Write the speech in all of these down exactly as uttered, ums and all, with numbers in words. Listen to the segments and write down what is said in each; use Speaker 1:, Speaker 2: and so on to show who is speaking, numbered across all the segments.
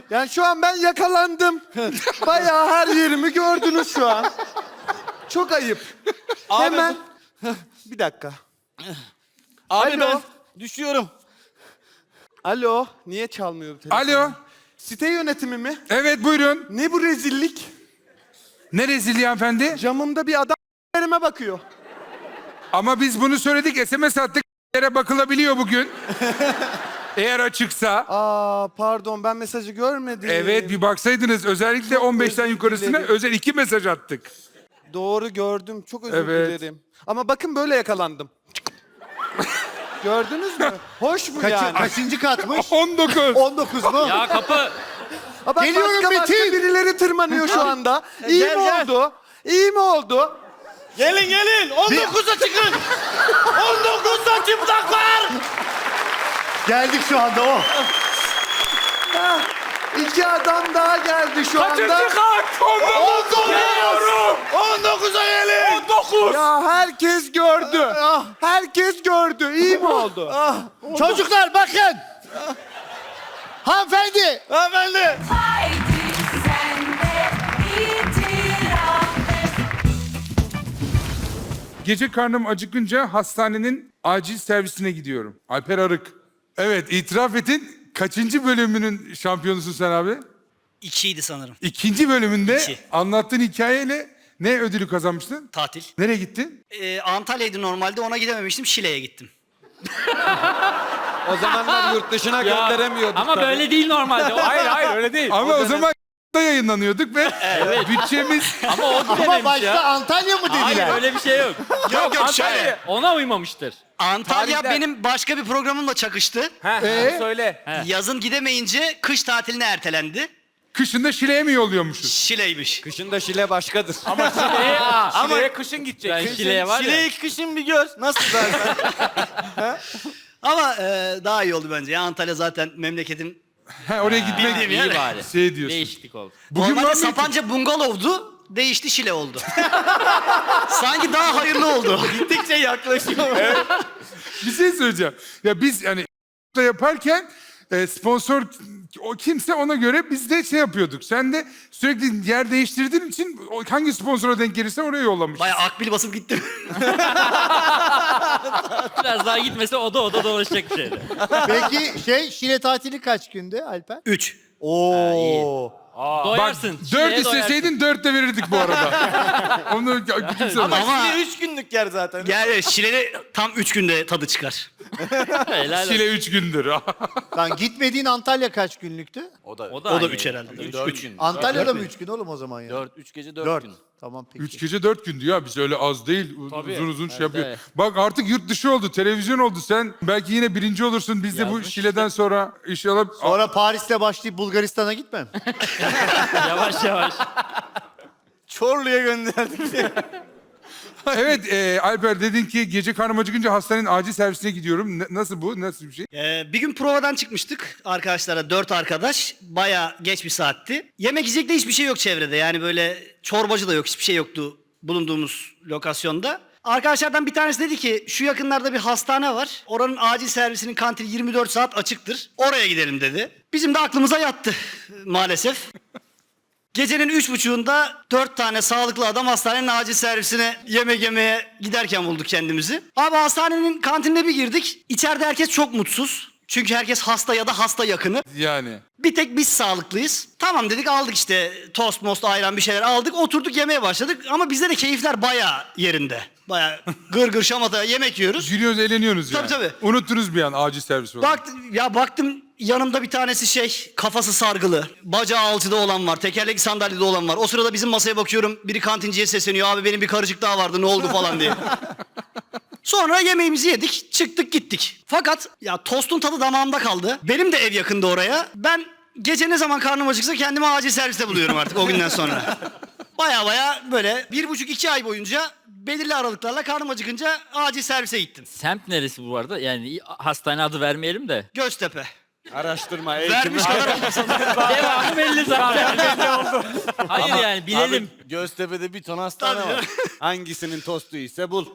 Speaker 1: Yani şu an ben yakalandım. Bayağı her yerimi gördünüz şu an. Çok ayıp.
Speaker 2: Abi,
Speaker 1: Hemen. Bir dakika.
Speaker 2: Abi
Speaker 1: Alo.
Speaker 2: ben düşüyorum.
Speaker 1: Alo. Niye çalmıyor bu telefon?
Speaker 3: Alo.
Speaker 1: Site yönetimi mi?
Speaker 3: Evet buyurun.
Speaker 1: Ne bu rezillik?
Speaker 3: Ne rezilliği hanımefendi?
Speaker 1: Camımda bir adam yerime bakıyor.
Speaker 3: Ama biz bunu söyledik. S M S attık. Yere bakılabiliyor bugün. Eğer açıksa.
Speaker 1: Aa pardon ben mesajı görmedim.
Speaker 3: Evet bir baksaydınız. Özellikle on beşten
Speaker 1: özür
Speaker 3: yukarısına
Speaker 1: dilerim.
Speaker 3: özel iki mesaj attık.
Speaker 1: Doğru gördüm. Çok özür
Speaker 3: Evet.
Speaker 1: dilerim. Ama bakın böyle yakalandım. Gördünüz mü? Hoş mu
Speaker 4: Kaçı-
Speaker 1: yani?
Speaker 4: Kaçıncı katmış?
Speaker 3: on dokuz.
Speaker 4: on dokuz mu?
Speaker 5: Ya kapı.
Speaker 1: Aa, bak,
Speaker 4: Geliyorum
Speaker 1: başka başka
Speaker 4: Metin.
Speaker 1: birileri tırmanıyor şu anda. İyi
Speaker 2: Gel,
Speaker 1: mi
Speaker 2: gel.
Speaker 1: oldu? İyi mi oldu?
Speaker 2: Gelin gelin. on dokuza çıkın. on dokuzda çıplaklar.
Speaker 4: Geldik şu anda o.
Speaker 1: Ha, iki adam daha geldi şu
Speaker 3: Kaçıncı
Speaker 1: anda.
Speaker 3: kat? on dokuz.
Speaker 2: on dokuza gelin.
Speaker 3: on dokuz.
Speaker 1: Ya herkes gördü. Herkes gördü. İyi mi oldu?
Speaker 4: Çocuklar bakın. Hanımefendi.
Speaker 2: Hanımefendi.
Speaker 6: Haydi sen de itiraf et.
Speaker 3: Gece karnım acıkınca hastanenin acil servisine gidiyorum. Alper Arık. Evet itiraf etin. Kaçıncı bölümünün şampiyonusun sen abi?
Speaker 7: İkiydi sanırım.
Speaker 3: İkinci bölümünde
Speaker 7: İki.
Speaker 3: anlattığın hikayeyle ne ödülü kazanmıştın?
Speaker 7: Tatil.
Speaker 3: Nereye gittin?
Speaker 7: Ee, Antalya'ydı normalde, ona gidememiştim. Şile'ye gittim.
Speaker 1: O zamanlar yurt dışına
Speaker 5: Ya,
Speaker 1: gönderemiyorduk
Speaker 5: ama
Speaker 1: tabii.
Speaker 5: böyle değil normalde. O- Hayır hayır öyle değil.
Speaker 3: Ama o,
Speaker 5: dönem-
Speaker 3: zaman da yayınlanıyorduk ve bütçemiz...
Speaker 5: Ama o
Speaker 4: Ama
Speaker 5: dememiş
Speaker 4: başta
Speaker 5: ya.
Speaker 4: Antalya mı dediler?
Speaker 5: Hayır öyle bir şey yok.
Speaker 2: Yok yok
Speaker 5: Antalya
Speaker 2: şöyle.
Speaker 5: ona uymamıştır.
Speaker 7: Antalya
Speaker 1: Tarihler.
Speaker 7: benim başka bir programımla çakıştı.
Speaker 1: Ee?
Speaker 2: Söyle.
Speaker 7: Yazın gidemeyince kış tatiline ertelendi.
Speaker 3: Kışında Şile'ye mi yolluyormuşuz?
Speaker 7: Şile'ymiş.
Speaker 1: Kışında Şile başkadır.
Speaker 5: Ama Şile'ye,
Speaker 2: Ama
Speaker 5: kışın gidecek. Ben Şile'ye var ya.
Speaker 2: Şile'yi kışın bir gör. Nasıl zaten?
Speaker 7: Ama e, daha iyi oldu bence. Ya Antalya zaten memleketim.
Speaker 3: Ha, oraya gitmek
Speaker 7: Bildiğim
Speaker 5: İyi
Speaker 7: yer.
Speaker 5: bari.
Speaker 3: şey diyorsun.
Speaker 5: Değişiklik oldu.
Speaker 3: Bugün
Speaker 7: Normalde
Speaker 3: var mı?
Speaker 7: Sapanca bungalovdu. Değişti, Şile oldu. Sanki daha hayırlı oldu.
Speaker 2: Gittikçe yaklaşıyor.
Speaker 3: Bir şey söyleyeceğim. Ya biz yani da yaparken e, sponsor o kimse ona göre biz de şey yapıyorduk. Sen de sürekli yer değiştirdiğin için o- hangi sponsora denk gelirse oraya yollamışsın.
Speaker 7: Bayağı akbil basıp gittim.
Speaker 5: Biraz daha gitmese oda oda dolaşacak bir şeydi.
Speaker 4: Peki şey Şile tatili kaç gündü Alper?
Speaker 7: Üç.
Speaker 4: Oo.
Speaker 5: Doyarsın.
Speaker 3: Bak dört
Speaker 5: Şile'ye doyarsın.
Speaker 3: isteseydin dört de verirdik bu arada. Onu küçümseme.
Speaker 2: Ama
Speaker 7: Ama-
Speaker 2: Şile üç günlük yer zaten.
Speaker 7: Yani Şile'de tam üç günde tadı çıkar.
Speaker 5: Helal olsun.
Speaker 3: Şile üç gündür.
Speaker 4: Lan gitmediğin Antalya kaç günlüktü?
Speaker 2: O da
Speaker 7: O da
Speaker 5: aynı.
Speaker 7: üç herhalde. Üç,
Speaker 2: dört
Speaker 7: üç.
Speaker 2: gün.
Speaker 4: Antalya'da mı üç gün oğlum o zaman ya?
Speaker 2: Dört, üç gece dört,
Speaker 4: Dört.
Speaker 2: gün.
Speaker 4: Tamam peki.
Speaker 3: Üç gece dört gündü ya. Biz öyle az değil. U-
Speaker 5: Tabii.
Speaker 3: Uzun uzun şey
Speaker 5: Evet,
Speaker 3: yapıyor.
Speaker 5: evet.
Speaker 3: Bak artık yurt dışı oldu. Televizyon oldu. Sen belki yine birinci olursun. Biz de bu
Speaker 5: Yazmış
Speaker 3: Şile'den sonra inşallah...
Speaker 4: Sonra Paris'te başlayıp Bulgaristan'a gitmem.
Speaker 5: Yavaş yavaş.
Speaker 2: Çorlu'ya gönderdik.
Speaker 3: Evet e, Alper dedin ki gece karnım acıkınca hastanenin acil servisine gidiyorum. Ne- nasıl bu? Nasıl bir şey?
Speaker 7: Ee, bir gün provadan çıkmıştık arkadaşlara, dört arkadaş. Baya geç bir saatti. Yemek yiyecek de hiçbir şey yok çevrede. Yani böyle çorbacı da yok, hiçbir şey yoktu bulunduğumuz lokasyonda. Arkadaşlardan bir tanesi dedi ki şu yakınlarda bir hastane var. Oranın acil servisinin kantini yirmi dört saat açıktır. Oraya gidelim dedi. Bizim de aklımıza yattı maalesef. Gecenin üç buçuğunda dört tane sağlıklı adam hastanenin acil servisine yemek yemeye giderken bulduk kendimizi. Abi hastanenin kantinine bir girdik. İçeride herkes çok mutsuz. Çünkü herkes hasta ya da hasta yakını.
Speaker 3: Yani.
Speaker 7: Bir tek biz sağlıklıyız. Tamam dedik, aldık işte tost most ayran bir şeyler aldık. Oturduk yemeye başladık ama bizde de keyifler bayağı yerinde. Bayağı gır gır şamata yemek yiyoruz.
Speaker 3: Gülüyoruz, eğleniyorsunuz yani.
Speaker 7: Tabii, tabii.
Speaker 3: Unuttunuz bir an acil servis olarak.
Speaker 7: Baktım, ya baktım yanımda bir tanesi şey, kafası sargılı. Bacağı alçıda olan var. Tekerlekli sandalyede olan var. O sırada bizim masaya bakıyorum. Biri kantinciye sesleniyor. Abi benim bir karıcık daha vardı, ne oldu falan diye. Sonra yemeğimizi yedik, çıktık gittik. Fakat ya tostun tadı damağımda kaldı. Benim de ev yakında oraya. Ben gece ne zaman karnım acıksa kendimi acil serviste buluyorum artık o günden sonra. Baya baya böyle bir buçuk iki ay boyunca belirli aralıklarla karnım acıkınca acil servise gittim.
Speaker 5: Semt neresi bu arada? Yani hastane adı vermeyelim de.
Speaker 7: Göztepe.
Speaker 2: Araştırma,
Speaker 7: Vermiş kadar olmasın.
Speaker 5: Devamı belli zaten. Hayır yani bilelim.
Speaker 2: Abi, Göztepe'de bir ton hastane
Speaker 7: Tabii.
Speaker 2: var. Hangisinin tostu ise bul.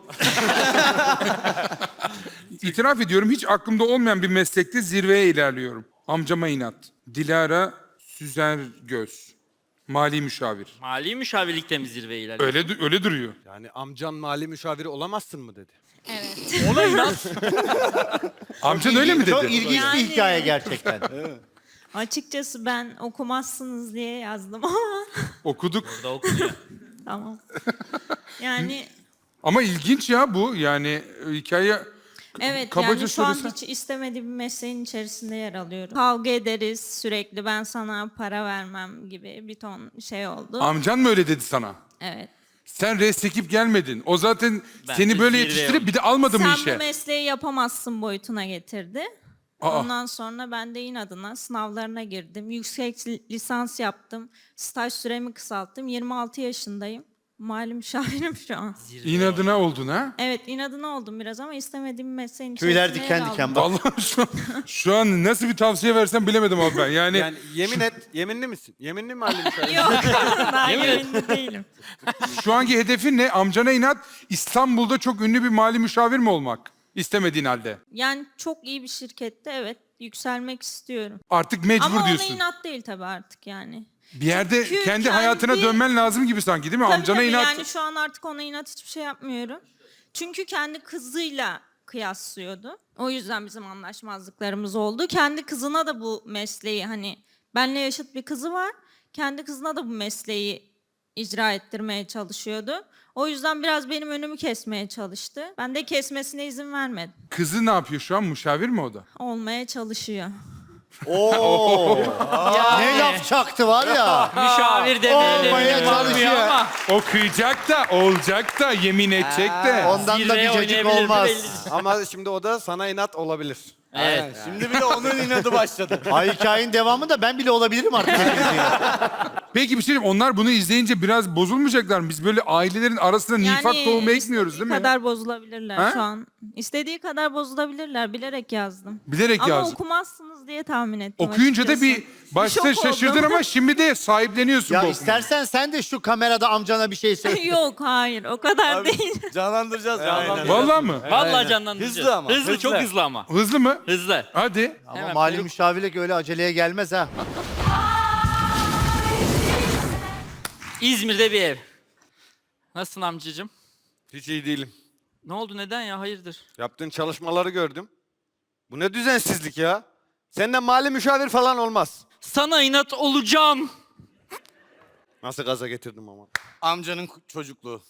Speaker 3: İtiraf ediyorum hiç aklımda olmayan bir meslekte zirveye ilerliyorum. Amcama inat. Dilara Süzer Göz. Mali müşavir.
Speaker 5: Mali müşavirlikte mi zirve ilerliyor?
Speaker 3: Öyle du- öyle duruyor.
Speaker 1: Yani amcan mali müşaviri olamazsın mı dedi.
Speaker 6: Evet.
Speaker 5: Ona inat.
Speaker 3: Amcan öyle mi dedi?
Speaker 4: Çok ilginç
Speaker 8: Yani-
Speaker 4: bir hikaye gerçekten.
Speaker 8: Açıkçası ben okumazsınız diye yazdım ama
Speaker 3: Okuduk.
Speaker 5: Da okunuyor.
Speaker 8: tamam. Yani
Speaker 3: Ama ilginç ya bu. Yani e, hikaye
Speaker 8: evet
Speaker 3: kabaca
Speaker 8: yani şu an
Speaker 3: söylesen-
Speaker 8: hiç istemediğim bir mesleğin içerisinde yer alıyorum. Kavga ederiz sürekli, ben sana para vermem gibi bir ton şey oldu.
Speaker 3: Amcan mı öyle dedi sana?
Speaker 8: Evet.
Speaker 3: Sen res çekip gelmedin. O zaten
Speaker 5: Ben
Speaker 3: seni
Speaker 5: de
Speaker 3: böyle
Speaker 5: zirve
Speaker 3: yetiştirip
Speaker 5: oldum.
Speaker 3: bir de almadı mı
Speaker 8: Sen
Speaker 3: işe?
Speaker 8: bu mesleği yapamazsın boyutuna getirdi.
Speaker 3: Aa.
Speaker 8: Ondan sonra ben de inadına sınavlarına girdim. Yüksek lisans yaptım. Staj süremi kısalttım. yirmi altı yaşındayım. Mali müşavirim şu an.
Speaker 3: İnadına oldun ha?
Speaker 8: Evet, inadına oldum biraz ama istemediğim mesleğin
Speaker 4: Tüyler
Speaker 8: içerisine
Speaker 4: diken
Speaker 8: yer
Speaker 4: diken
Speaker 8: aldım.
Speaker 4: bak.
Speaker 3: Vallahi şu an, şu an nasıl bir tavsiye versem bilemedim abi ben. Yani,
Speaker 1: Yani yemin et, yeminli misin? Yeminli mi mali müşaviri?
Speaker 8: Yok, daha yeminli değilim.
Speaker 3: şu anki hedefin ne? Amcana inat İstanbul'da çok ünlü bir mali müşavir mi olmak? İstemediğin halde.
Speaker 8: Yani çok iyi bir şirkette evet yükselmek istiyorum.
Speaker 3: Artık mecbur
Speaker 8: Ama ona
Speaker 3: diyorsun.
Speaker 8: inat değil tabii artık yani.
Speaker 3: Bir yerde
Speaker 8: Çünkü
Speaker 3: kendi,
Speaker 8: kendi-
Speaker 3: hayatına dönmen lazım gibi sanki değil mi?
Speaker 8: Tabii
Speaker 3: Amcana
Speaker 8: tabii
Speaker 3: inat.
Speaker 8: yani şu an artık ona inat hiçbir şey yapmıyorum. Çünkü kendi kızıyla kıyaslıyordu. O yüzden bizim anlaşmazlıklarımız oldu. Kendi kızına da bu mesleği hani benle yaşıt bir kızı var. Kendi kızına da bu mesleği icra ettirmeye çalışıyordu. O yüzden biraz benim önümü kesmeye çalıştı. Ben de kesmesine izin vermedim.
Speaker 3: Kızı ne yapıyor şu an? Müşavir mi o da?
Speaker 8: Olmaya çalışıyor.
Speaker 4: Oo. Ne laf çaktı var ya.
Speaker 5: Müşavir demeyelim.
Speaker 4: Olmaya çalışıyor.
Speaker 5: Ama
Speaker 3: Okuyacak da, olacak da, yemin edecek de.
Speaker 4: Ondan da
Speaker 5: zirveye
Speaker 4: bir cacık
Speaker 5: oynayabilir mi
Speaker 4: olmaz.
Speaker 5: belli değil.
Speaker 1: Ama şimdi o da sana inat olabilir.
Speaker 5: Evet.
Speaker 2: Şimdi bir de onun inadı başladı.
Speaker 4: Ay hikayenin devamı da ben bile olabilirim artık.
Speaker 3: Peki bir şey diyeyim, onlar bunu izleyince biraz bozulmayacaklar mı? Biz böyle ailelerin arasına nifak tohumu ekmiyoruz değil mi?
Speaker 8: İstediği kadar bozulabilirler
Speaker 3: Ha?
Speaker 8: şu an. İstediği kadar bozulabilirler. Bilerek yazdım.
Speaker 3: Bilerek
Speaker 8: Ama
Speaker 3: yazdım.
Speaker 8: okumazsınız diye tahmin ettim
Speaker 3: Okuyunca da
Speaker 8: açıkçası.
Speaker 3: bir başta
Speaker 8: Şok oldum.
Speaker 3: şaşırdın ama şimdi de sahipleniyorsun
Speaker 4: Ya
Speaker 3: bu
Speaker 4: istersen sen de şu kamerada amcana bir şey söyle.
Speaker 8: Yok hayır o kadar değil.
Speaker 2: Canlandıracağız.
Speaker 3: okumayı.
Speaker 2: canlandıracağız.
Speaker 3: Vallahi mı?
Speaker 5: Vallahi canlandıracağız.
Speaker 2: Hızlı ama,
Speaker 5: Hızlı,
Speaker 2: hızlı.
Speaker 5: çok hızlı ama.
Speaker 3: Hızlı mı?
Speaker 5: Hızlı.
Speaker 3: Hadi.
Speaker 4: Ama
Speaker 5: Hemen
Speaker 4: mali
Speaker 5: kuyruk-
Speaker 4: müşavirlik öyle aceleye gelmez ha.
Speaker 5: İzmir'de bir ev. Nasılsın amcacığım?
Speaker 1: Hiç iyi değilim.
Speaker 5: Ne oldu, neden ya, hayırdır?
Speaker 1: Yaptığın çalışmaları gördüm. Bu ne düzensizlik ya? Senden mali müşavir falan olmaz.
Speaker 5: Sana inat olacağım.
Speaker 1: Nasıl gaza getirdim ama.
Speaker 2: Amcanın çocukluğu.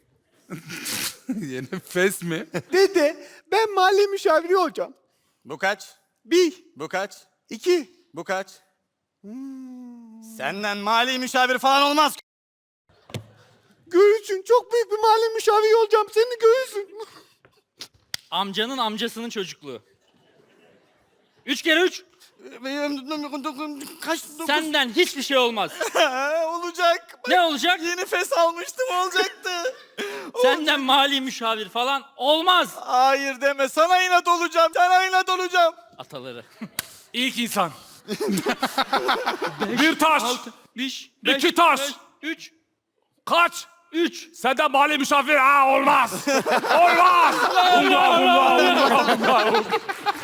Speaker 3: Yine fes mi?
Speaker 1: Dede ben mali müşaviri olacağım.
Speaker 2: Bu kaç?
Speaker 1: Bir,
Speaker 2: Bu kaç?
Speaker 1: iki.
Speaker 2: Bu kaç? Senden mali müşavir falan olmaz.
Speaker 1: Göğüsün çok büyük bir mali müşaviri olacağım. Senin göğüsün.
Speaker 5: Amcanın amcasının çocukluğu. Üç kere üç.
Speaker 2: Kaç? Dokuz.
Speaker 5: Senden hiçbir şey olmaz.
Speaker 2: Olacak.
Speaker 5: Ne olacak?
Speaker 2: Yeni fes almıştım olacaktı.
Speaker 5: Senden mali müşavir falan olmaz.
Speaker 2: Hayır deme. Sana inat olacağım. Sana inat olacağım.
Speaker 5: Ataları.
Speaker 9: İlk insan. Bir taş.
Speaker 5: Beş,
Speaker 9: İki taş.
Speaker 5: beş, üç,
Speaker 9: Kaç?
Speaker 5: üç.
Speaker 9: Senden mali misafir. Ha olmaz. Olmaz. Allah Allah Allah Allah.